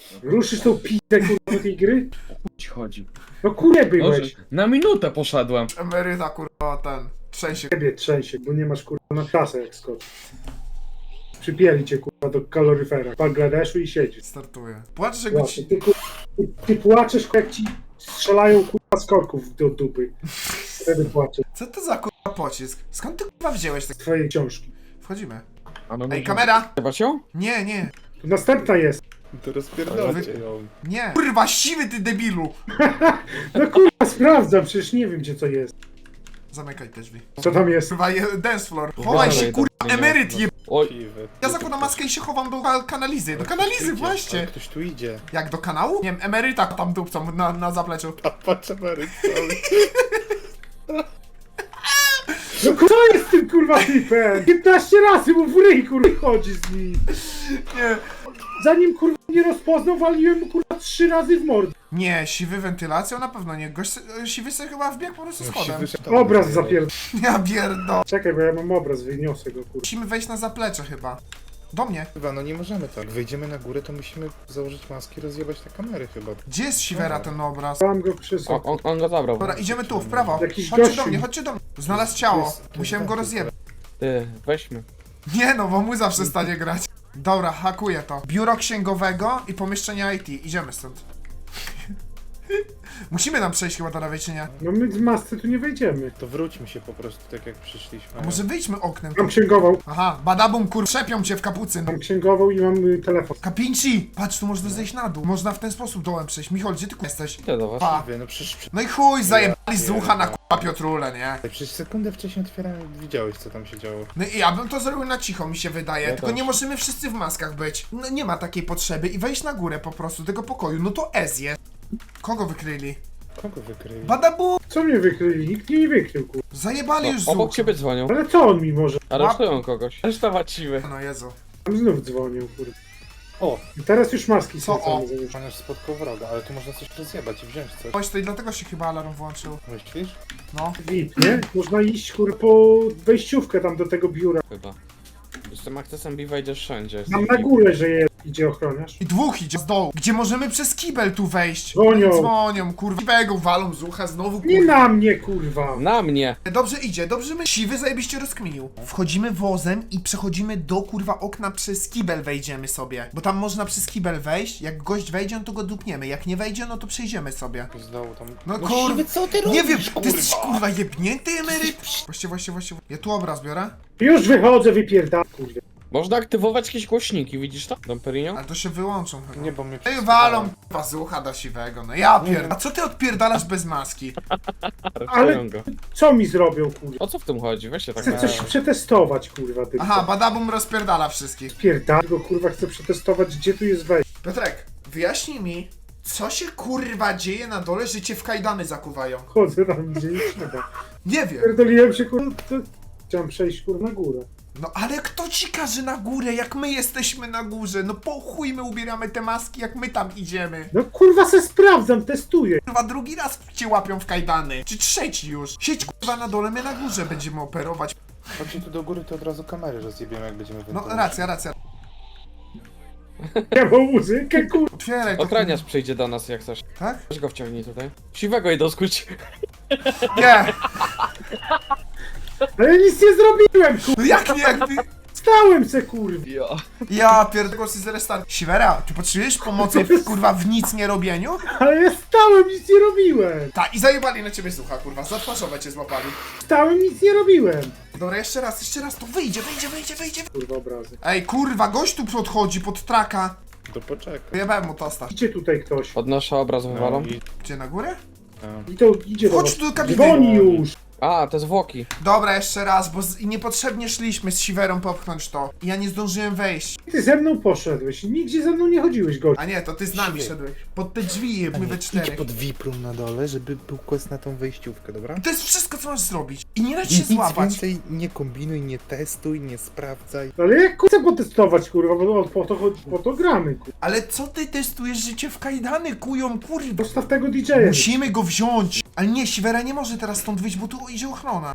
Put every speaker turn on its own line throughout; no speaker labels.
Ruszysz tą pizdę kurwa do tej gry?
Ci chodzi.
No kurę byłeś.
Na minutę poszedłem.
Emeryta kurwa ten. Trzęsie.
Ciebie trzęsie, bo nie masz kurwa na trasę jak skocz. Przypieli cię kurwa do kaloryfera w Bangladeszu i siedzisz.
Startuje. Płacz, że
Właśnie, ty płaczesz jak ci strzelają kurwa z korków do dupy. Wtedy płaczesz.
Co to za kurwa pocisk? Skąd ty kurwa wziąłeś tak?
Twojej książki.
Wchodzimy.
A no
Ej,
może-
kamera!
Chyba ją?
Nie, nie,
Tu następna jest.
To rozpierdolcie ją.
nie. Kurwa, siwy ty debilu!
No kurwa sprawdzam, przecież nie wiem gdzie co jest.
Zamykaj te drzwi.
Co tam jest?
Kurwa, dance floor. Chowaj się, kurwa, emeryt je...
Oj,
Siwy.
Ja zakładam maskę i się chowam do kanalizy. Do kanalizy,
Ale
właśnie.
ktoś tu idzie.
Jak do kanału? Nie wiem, emeryta tam dupcą na zapleczu.
A patrz emeryt cały.
No co jest z tym kurwa typem? 15 razy mu w ryj kurwa chodzi z nim.
Nie.
Zanim kurwa nie rozpoznał, waliłem mu kurwa 3 razy w mordę.
Nie, siwy wentylacją na pewno nie. Gość, siwy sobie chyba wbiegł po prostu schodem.
Obraz zapierd...
Ja pierdo.
Czekaj, bo ja mam obraz, wyniosę go kurwa.
Musimy wejść na zaplecze chyba. Do mnie.
Chyba, no nie możemy tak. Jak wejdziemy na górę, to musimy założyć maski, rozjebać te kamery chyba.
Gdzie jest siwera ten obraz?
Mam go przez...
on go zabrał.
Dobra, idziemy tu, w prawo.
Jakiś
Chodźcie
gościu.
do mnie, chodźcie do mnie. Znalazł ciało.
jest-
Musiałem go rozjebać.
Ty, weźmy.
Nie no, bo muza przestanie grać. Dobra, hakuję to. Biuro księgowego i pomieszczenie IT. Idziemy stąd. Musimy tam przejść chyba do lewej, czy nie?
No my z masce tu nie wejdziemy.
To wróćmy się po prostu tak jak przyszliśmy.
A może wyjdźmy oknem?
Mam księgową,
Aha, badabum kur... Szepią cię w kapucyn.
mam księgową i mam telefon.
Kapinci! Patrz, tu można zejść na dół. Można w ten sposób dołem przejść. Michol, gdzie ty jesteś?
Idę do was.
Pa.
No przecież,
No i chuj, zajebali z ucha na k***a Piotrule, nie?
przecież sekundę wcześniej otwierałem, widziałeś co tam się działo.
No i ja bym to zrobił na cicho, mi się wydaje.
Ja
Tylko
też.
nie możemy wszyscy w maskach być. No nie ma takiej potrzeby i wejść na górę po prostu tego pokoju. No to Ez jest. Kogo wykryli?
Kogo wykryli?
Badabu!
Co mnie wykryli? Nikt mnie nie wykrył kurwa.
Zajebali już z
Obok
ucha.
ciebie dzwonią.
Ale co on mi może?
Aresztują kogoś. Aresztować siwy.
No Jezu.
Tam znów dzwonił kurwa.
O!
I teraz już maski
Co
są
o?
same zamiast.
Pan już spotkał wroga, ale tu można coś rozjebać i wziąć coś.
Chodź, to i dlatego się chyba alarm włączył.
Myślisz?
No.
VIP, nie? Można iść kurwa po wejściówkę tam do tego biura.
Chyba. Z tym akcesem B wejdziesz wszędzie.
Tam na górę, że idzie ochroniarz.
I dwóch idzie z dołu. Gdzie możemy przez kibel tu wejść?
Dzwonią.
Dzwonią, kurwa. Siwego walą z ucha znowu,
Nie
kurwa.
na mnie kurwa.
Na mnie!
Dobrze idzie, dobrze my. Siwy zajebiście rozkminił. Wchodzimy wozem i przechodzimy do kurwa okna, przez kibel wejdziemy sobie. Bo tam można przez kibel wejść. Jak gość wejdzie, no to go dupniemy. Jak nie wejdzie, no to przejdziemy sobie.
Z dołu tam...
No kurwa,
siwy, co ty
nie
robisz,
wiem, ty jesteś kurwa jebnięty emeryt? Właśnie. Ja tu obraz biorę.
Już wychodzę, wypierdam kurwa.
Można aktywować jakieś głośniki, widzisz to? Domperino?
Ale to się wyłączą chyba.
Nie, bo mnie
Ej, walą kurwa z ucha do siwego, no ja pierd... A co ty odpierdalasz bez maski?
Aresztują go.
Co mi zrobią kurwa?
O co w tym chodzi? Weź się tak
Chcę
na...
coś przetestować kurwa tylko.
Aha, badabum rozpierdala wszystkich.
Pierdam go kurwa, chcę przetestować gdzie tu jest wejście.
Piotrek, wyjaśnij mi, co się kurwa dzieje na dole, że cię w kajdany zakuwają?
Chodzę tam gdzie nie trzeba.
Nie wiem.
Pierdoliłem się kurwa. Chciałem przejść kurwa na górę.
No ale kto ci każe na górę, jak my jesteśmy na górze? No po chuj my ubieramy te maski, jak my tam idziemy.
No kurwa se sprawdzam, testuję.
Kurwa drugi raz cię łapią w kajdany. Czy trzeci już. Siedź kurwa na dole, my na górze będziemy operować.
Chodźcie tu do góry, to od razu kamery rozjebiemy, jak będziemy
No
wentylować.
racja.
Ja mam muzykę kurwa.
Otwieraj to.
Ochraniarz przyjdzie do nas jak coś.
Tak?
Weź go wciągnij tutaj. Siwego idą skuć.
Nie.
Ale nic nie zrobiłem kurwa.
No jak nie, jakby...
Stałem se kurwa.
Ja pierdolę się z restart. Siwera, ty potrzebujesz pomocy kurwa w nic nie robieniu?
Ale ja stałem, nic nie robiłem.
Tak, i zajebali na ciebie słucha, kurwa, za twarzowe cię złapali.
Stałem, nic nie robiłem.
Dobra, jeszcze raz, to wyjdzie.
Kurwa obrazy.
Ej, kurwa, gość tu podchodzi pod traka.
To poczekaj.
Jebałem mu tosta.
Idzie tutaj ktoś.
Podnoszę obraz wywalą.
i...
Gdzie, na górę?
I to idzie do
Chodź
was.
tu do kabiny.
Dzwoni już.
A, te zwłoki.
Dobra, jeszcze raz, bo niepotrzebnie szliśmy z siwerą popchnąć to. I ja nie zdążyłem wejść.
Ty ze mną poszedłeś. Nigdzie ze mną nie chodziłeś gość.
A nie, to ty z nami szedłeś. Pod te drzwi, my we
Idź
czterech.
pod VIP-room na dole, żeby był quest na tą wejściówkę, dobra?
I to jest wszystko, co masz zrobić. I nie dać się
Nic
złapać.
więcej nie kombinuj, nie testuj, nie sprawdzaj.
Ale jak chcę potestować kurwa, bo po to gramy kurwa.
Ale co ty testujesz życie w kajdany, kują, kurwa?
Postaw tego DJ-a.
Musimy go wziąć. Ale nie, siwera nie może teraz stąd wyjść, bo tu idzie ochrona.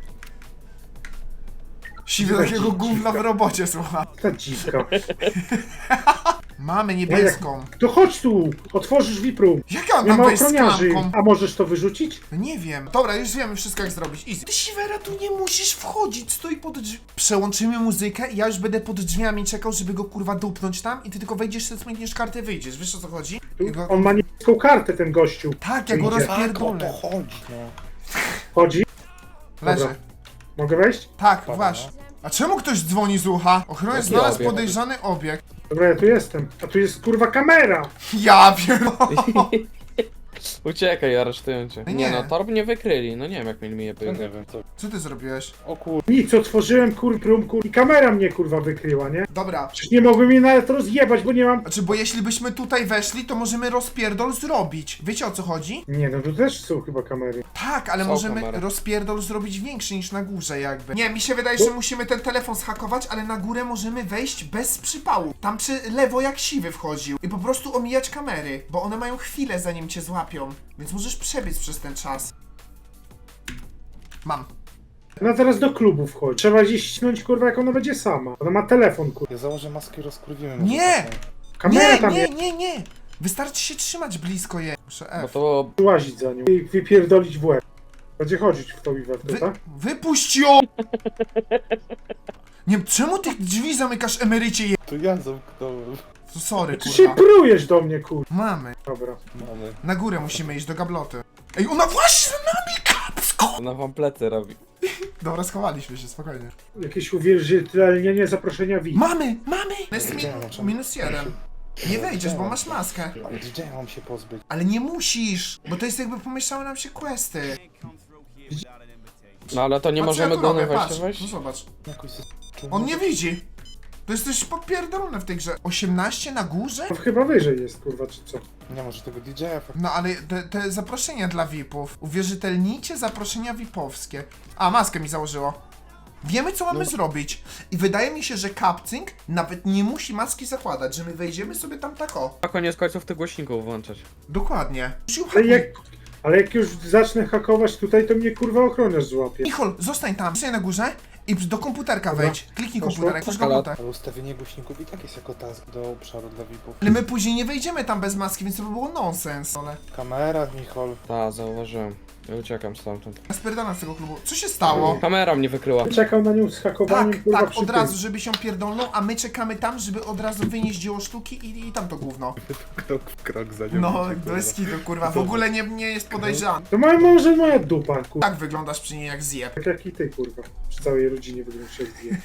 Siwy takiego gówna w robocie, słucha.
Ta dziwka.
Mamy niebieską.
To chodź tu, otworzysz VIP room.
Jak ja
Nie
mam
ma
wejść z
ochroniarzy.
klamką?
A możesz to wyrzucić?
No nie wiem. Dobra, już wiemy wszystko jak zrobić. Easy. Ty Siwera, tu nie musisz wchodzić, stoi pod drzwi. Przełączymy muzykę i ja już będę pod drzwiami czekał, żeby go kurwa dupnąć tam i ty tylko wejdziesz, sobie smykniesz kartę, wyjdziesz. Wiesz o co chodzi?
Tu,
Ja go...
on ma niebieską kartę, ten gościu.
Tak, ja go
Idzie.
Tak, o
rozpierdolę.
to chodzi, no.
Chodzi?
Leży.
Dobra. Mogę wejść?
Tak,
Dobra,
właśnie. A czemu ktoś dzwoni z ucha? Ochroniarz
Jaki
znalazł
obiekt?
podejrzany obiekt.
Dobra, ja tu jestem. A tu jest kurwa kamera.
Ja pierdolę.
Uciekaj, aresztują cię.
No
Nie
nie.
no, torb nie wykryli, no nie wiem jak mieli mnie
No
być.
nie wiem, co.
Co ty zrobiłeś?
O kur...
Nic, otworzyłem room i kamera mnie kurwa wykryła, nie?
Dobra.
Przecież nie mogłem mnie nawet rozjebać, bo nie mam...
Znaczy, bo jeśli byśmy tutaj weszli, to możemy rozpierdol zrobić. Wiecie o co chodzi?
Nie, no tu też są chyba kamery.
Tak, ale
Są
możemy
kamery.
rozpierdol zrobić większy niż na górze jakby. Nie, mi się wydaje, że musimy ten telefon zhakować, ale na górę możemy wejść bez przypału. Tam przy lewo jak siwy wchodził. I po prostu omijać kamery, bo one mają chwilę zanim cię złapią. Więc możesz przebiec przez ten czas. Mam.
No teraz do klubu wchodzi. Trzeba gdzieś ścinąć kurwa jak ona będzie sama. Ona ma telefon kurwa.
Ja założę maskę i rozkurwimy.
Nie!
Kamera
Nie,
tam
nie,
jest.
nie, nie! Wystarczy się trzymać blisko je. Muszę
Bo
F.
to
Łazić za nią i wypierdolić w łeb. Będzie chodzić w to i we w to, tak?
Wypuść ją! Nie wiem, czemu tych drzwi zamykasz emerycie je...
To ja zamknąłem.
Sorry,
Ty się
kurwa.
prujesz do mnie kurwa.
Mamy.
Dobra.
Mamy.
Na górę musimy iść do gabloty. Ej, ona właśnie za nami, kapsko!
ona wam plecy robi.
Dobra, schowaliśmy się, spokojnie.
Jakieś uwierzytelnienie zaproszenia VIP.
Mamy! Mamy! Jest
Gdzie ja mam
minus jeden. Nie wejdziesz, bo masz maskę.
Ale gdzie ja mam się pozbyć?
Ale nie musisz, bo to jest jakby pomieszały nam się questy.
No ale to nie
Patrz,
możemy
ja tu
go
robię,
na wejście
patrz.
wejść?
No zobacz.
Jakoś
On nie widzi. To jesteś popierdolony w tej grze. 18 na górze?
To chyba wyżej jest kurwa, czy co?
Nie może tego DJ-a fakt.
No ale te zaproszenia dla VIP-ów. Uwierzytelnijcie zaproszenia VIP-owskie. A, maskę mi założyło. Wiemy, co mamy zrobić. I wydaje mi się, że Capcing nawet nie musi maski zakładać, że my wejdziemy sobie tam tak o.
A koniec końców tych głośników włączać.
Dokładnie.
Ale jak już zacznę hakować tutaj, to mnie kurwa ochroniarz złapie.
Michol, zostań tam, zostań na górze i do komputerka
Dobra.
wejdź. Kliknij
Poszło.
komputerek, masz
Ale-
komputer.
Ale ustawienie głośników i tak jest jako task do obszaru dla VIP-ów.
Ale my później nie wejdziemy tam bez maski, więc to by było nonsens. Ale
Kamera, Michol.
Ta, zauważyłem. Ja uciekam stamtąd.
ja spierdalam z tego klubu. Co się stało?
Kamera mnie wykryła.
Czekał na nią z hakowaniem
Tak,
kurwa
tak,
przy
od
tym.
razu, żeby się pierdolną, a my czekamy tam, żeby od razu wynieść dzieło sztuki i tam to gówno.
Krok w krok za nią.
No, bez kitu, kurwa, w ogóle nie jest podejrzany.
To może moja dupa kurwa.
Tak wyglądasz przy niej jak zjeb.
Tak jak i ty kurwa. Przy całej rodzinie wyglądasz jak zje.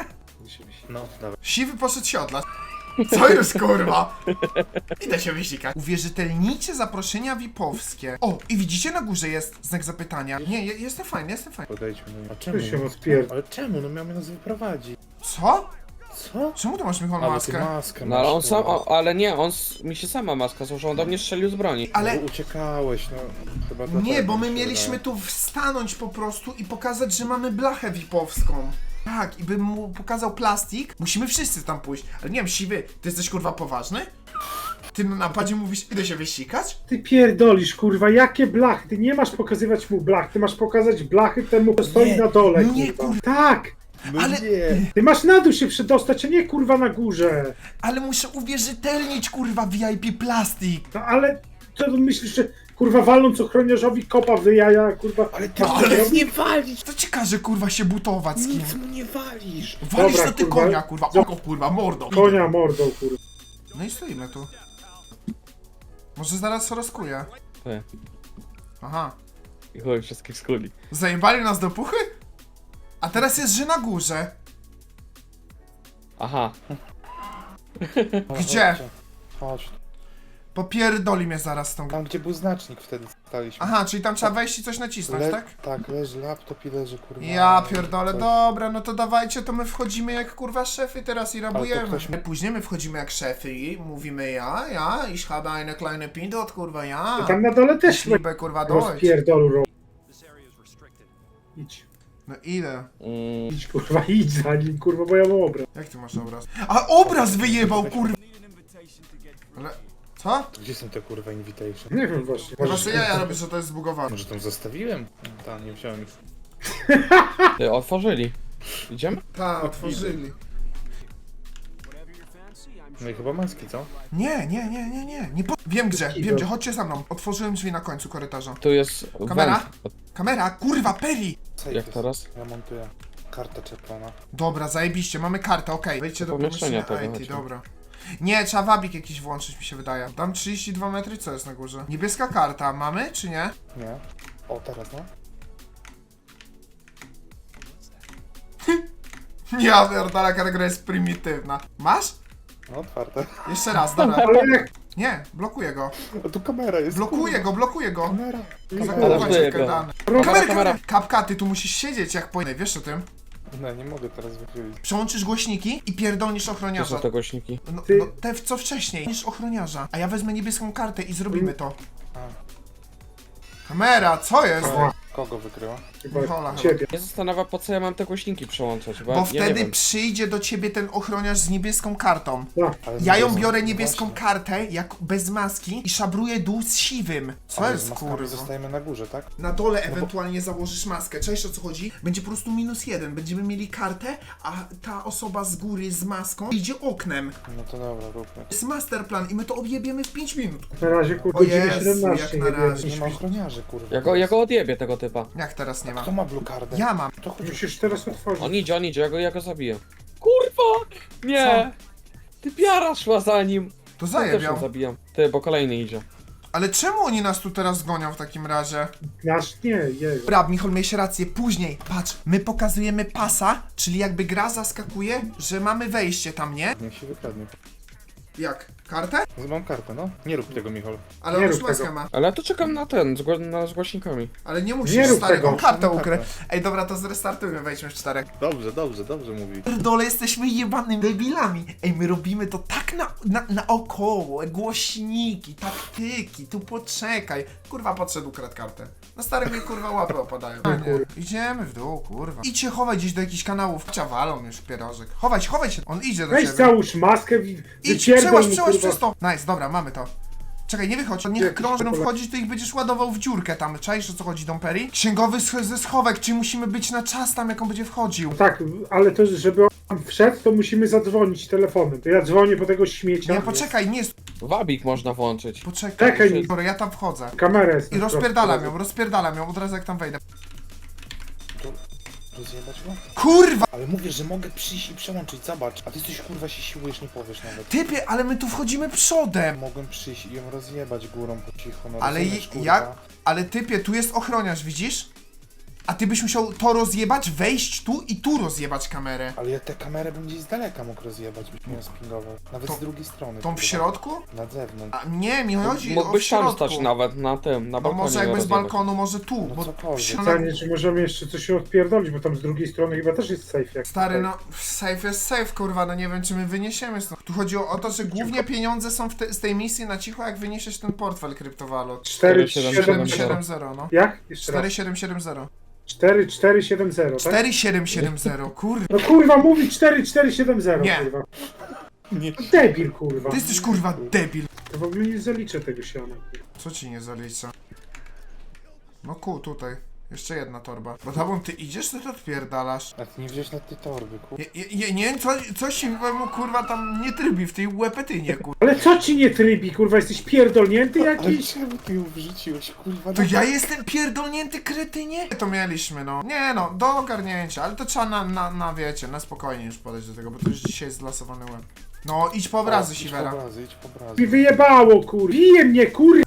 No, dawaj.
Siwy poszedł się odlać. Co już, kurwa? Idę się wysikać. Uwierzytelnijcie zaproszenia VIP-owskie. O, i widzicie na górze jest znak zapytania. Nie, jestem fajny, jestem fajny.
Podejdźmy do niej. A czemu?
Ty się rozpierd...
Ale czemu? No miał nas wyprowadzić.
Co?
Co?
Czemu ty masz Michał
Ale ty
maskę?
maskę
No ale on
masz,
sam,
kurwa.
ale nie, mi się sama maska złożyła, on do mnie strzelił z broni.
Ale
No, uciekałeś, no. Chyba
nie,
dlatego
bo my
mi się
mieliśmy
wydaje.
tu stanąć po prostu i pokazać, że mamy blachę VIP-owską. Tak, i bym mu pokazał plastik. Musimy wszyscy tam pójść. Ale nie wiem, Siwy, ty jesteś kurwa poważny? Ty na napadzie mówisz, idę się wysikać?
Ty pierdolisz kurwa, jakie blachy? Ty nie masz pokazywać mu blach, ty masz pokazać blachy temu, kto stoi
Nie,
na dole
nie,
kurwa.
kurwa.
Tak!
No
ale-
nie.
Ty masz na dół się przedostać, a nie kurwa na górze.
Ale muszę uwierzytelnić kurwa VIP plastik.
No ale co ty myślisz, że kurwa waląc ochroniarzowi kopa w jaja, kurwa...
Ale ty
masz
ale
to robić?
nie walisz!
To ci każe kurwa się butować z kim?
Nic mu nie walisz!
Walisz
Dobra,
na ty
kurwa.
konia kurwa, oko kurwa, mordą.
Konia mordą kurwa.
No i stoimy tu. Może zaraz rozkuję.
Ty.
Aha.
I chuj, wszystkich skuli.
Zajebali nas do puchy? A teraz jest, że na górze.
Aha.
No,
Gdzie?
chodźcie. Chodź.
Popierdoli mnie zaraz z tą grą.
Tam gdzie był znacznik wtedy staliśmy.
Aha, czyli tam trzeba wejść i coś nacisnąć, tak?
Tak, leży laptop i leży kurwa.
Ja pierdolę,
coś.
dobra, no to dawajcie, to my wchodzimy jak kurwa szefy teraz i rabujemy.
ktoś-
Później my wchodzimy jak szefy i mówimy ja, ich habe eine kleine Pindot, kurwa, ja.
To tam na dole też
Ich liebe, kurwa, Deutsch.
rozpierdolu ro... Idź.
No idę.
Idź kurwa, idź za nim kurwa, bo ja mam obraz.
Jak ty masz obraz? A obraz wyjebał, kurwa! Ale... Co?
Gdzie są te kurwa invitation?
Nie wiem właśnie.
Chyba sobie ja robię, że to jest zbugowane.
Może tam zostawiłem? Tam nie wziąłem ich.
Ty, otworzyli. Idziemy?
Tak, otworzyli.
No i chyba maski, co?
Nie. Wiem gdzie, chodźcie za mną. Otworzyłem drzwi na końcu korytarza.
Tu jest
Kamera?
węd.
Kamera, kurwa, Peri!
Safe
Jak
jest.
teraz?
Ja montuję. Karta czepiona.
Dobra, zajebiście, mamy kartę, okej. Wejdźcie do
Pomieszczenia
pomieszczenia
tego,
IT,
chodźmy.
dobra. Nie, trzeba wabik jakiś włączyć, mi się wydaje. Dam 32 metry, co jest na górze? Niebieska karta, mamy czy nie?
Nie? O, teraz no.
Ja pierdolę, jaka gra jest prymitywna. Masz?
No, otwarte.
Jeszcze raz, dobra.
Ale jak
Nie, blokuję go.
A tu kamera jest.
Blokuję go.
Kamera.
Blokuję go.
Kamera. Kapka, ty tu musisz siedzieć jak po... Wiesz o tym?
No, nie mogę teraz wychylić.
Przełączysz głośniki i pierdolnisz
Gdzie
ochroniarza.
są te głośniki?
No,
Ty-
no te co wcześniej, niż ochroniarza. A ja wezmę niebieską kartę i zrobimy to.
A.
Kamera, co jest?
Kogo wykryła?
chyba
Nichola
ciebie.
Mnie zastanawia, po co ja mam te głośniki przełączać, bo
Bo
ja nie
wtedy
wiem.
przyjdzie do ciebie ten ochroniarz z niebieską kartą.
Tak.
Ale
Ja ją
z-
biorę niebieską
właśnie.
kartę, jak bez maski i szabruję dół z siwym. Co
Ale
jest
z maskami
kurwa?
zostajemy na górze, tak?
Na dole ewentualnie założysz maskę. Cześć, o co chodzi? Będzie po prostu -1. Będziemy mieli kartę, a ta osoba z góry z maską idzie oknem.
No to dobra, róbmy.
To jest masterplan i my to objebiemy w 5 minut.
Na razie kurde
O
godziny
Jezu,
17.
jak na
nie wiem.
razie.
Nie ma ochroniarzy, kurwa.
Ja go odjebię, tego typa.
Jak teraz nie ma?
Kto ma blue cardę?
Ja mam.
To chodzi.
Musisz teraz otworzyć.
On idzie, ja go zabiję. Kurwa! Nie! Ty piara szła za nim!
To
Ja też ją
zajebiał.
zabijam. Ty, bo kolejny idzie.
Ale czemu oni nas tu teraz gonią w takim razie?
Nasz nie, jej.
Dobra, Michol, miałeś rację, później, patrz, my pokazujemy pasa, czyli jakby gra zaskakuje, że mamy wejście tam, nie?
Niech się wykradnie.
Jak? Kartę?
Mam kartę, no. Nie rób tego, Michol.
Ale
Nie
on
rób
już maskę
tego.
ma.
Ale ja tu czekam na ten, z głośnikami.
Ale nie
Nie
musisz,
rób
stary,
tego.
on kartę
Mamy
ukry.
kartę.
Ej, dobra, to zrestartujmy, wejdźmy w 4.
Dobrze mówi.
Pierdole, jesteśmy jebanymi debilami. Ej, my robimy to tak naokoło, głośniki, taktyki, tu poczekaj. Kurwa, podszedł, ukradł kartę. Na stare mi kurwa łapy opadają. A nie, idziemy w dół, kurwa. Idź się chować gdzieś do jakichś kanałów. Ciawalą już pierożek. Chowaj się, on idzie do
Weź
ciebie.
załóż maskę,
Idź,
wypierdol mu,
przełaź
kurwa.
przez to. Nice, dobra, mamy to. Czekaj, nie wychodź, niech
Jakiś
krążą
pole-
wchodzić, to ich będziesz ładował w dziurkę tam. Czaisz, o co chodzi, Dom Perry? Księgowy ze schowek, czy musimy być na czas tam, jak on będzie wchodził?
Tak, ale to żeby on wszedł, to musimy zadzwonić telefonem. To ja dzwonię po tego śmiecia.
Nie, poczekaj, nie,
Wabik można włączyć.
poczekaj.
Czekaj,
Dobra, ja tam wchodzę.
Kamera jest.
I
na
rozpierdalam ją, od razu jak tam wejdę.
Rozjebać go?
Kurwa!
Ale mówię, że mogę przyjść i przełączyć, zobacz. A ty coś kurwa się siłujesz, nie powiesz nawet.
Typie, ale my tu wchodzimy przodem.
Mogłem przyjść i ją rozjebać górą po cichu, no
Ale
rozumiesz, kurwa?
jak? Ale typie, tu jest ochroniarz, widzisz? A ty byś musiał to rozjebać, wejść tu i tu rozjebać kamerę.
Ale ja tę kamerę bym gdzieś z daleka mógł rozjebać, byś mnie spingował. Nawet
To-
z drugiej strony.
Tą w
kurwa.
środku?
Na zewnątrz.
A nie, mi chodzi o w
Mógłbyś tam
środku.
stać nawet na tym, na
No
balkonie.
może jakby z
rozjebać.
balkonu, może tu,
No
bo
cokolwiek.
w środku-
Pytanie, czy możemy jeszcze coś odpierdolić, bo tam z drugiej strony chyba też jest safe. Jak
Stary,
tutaj.
no, safe jest safe, kurwa, no nie wiem, czy my wyniesiemy stąd. Tu chodzi o to, że głównie pieniądze są z tej misji na cicho, jak wyniesiesz ten portfel kryptowalut.
4770.
4770, no.
Jak? Jeszcze raz.
4770.
4470, tak?
4770, kurwa.
No kurwa, mówi 4470,
Nie.
kurwa.
Nie.
Debil, kurwa.
Ty jesteś, kurwa, debil.
To w ogóle nie zaliczę tego siana. kurwa.
Co ci nie zalicza? No tutaj. Jeszcze jedna torba. Bo tam ty idziesz, to odpierdalasz.
A ty nie wziąłeś na tej torby, kurwa.
Nie, coś się mu, kurwa, tam nie trybi w tej łepetynie, kurwa.
Ale co ci nie trybi, kurwa? Jesteś pierdolnięty
Ale
jakiś?
czemu ty ją wrzuciłeś, kurwa?
To
No
ja jestem pierdolnięty kretynie? To mieliśmy, no. Nie no, do ogarnięcia, ale to trzeba na wiecie, na spokojnie już podejść do tego, bo to już dzisiaj jest zlasowany łeb. No, idź po obrazy,
Idź
Siwera.
po obrazy, idź po obrazy.
Mi wyjebało, kur... Bije mnie, kur...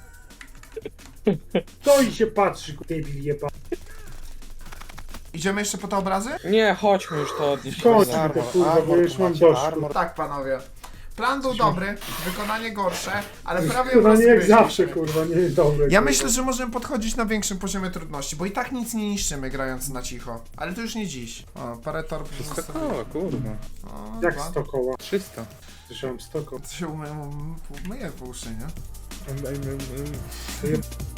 Stoi się patrzy, kur... Debil jeba.
Idziemy jeszcze po te obrazy?
Nie, chodźmy już to odnieść.
Chodź.
Za-
to, kurwa, bo już mam dość,
armor.
Tak, panowie. Plan był dobry, wykonanie gorsze, ale prawie
Kurwa, nie jak
rozgryźliśmy.
zawsze, kurwa, nie jest dobre.
Ja
kurwa.
myślę, że możemy podchodzić na większym poziomie trudności, bo i tak nic nie niszczymy grając na cicho. Ale to już nie dziś. O, parę torb
Wszystko
zostawiłem.
koło, kurwa.
O,
Jak
dwa.
100 koła?
300.
Słyszałem 100 koła.
To się myje w uszy, nie?
To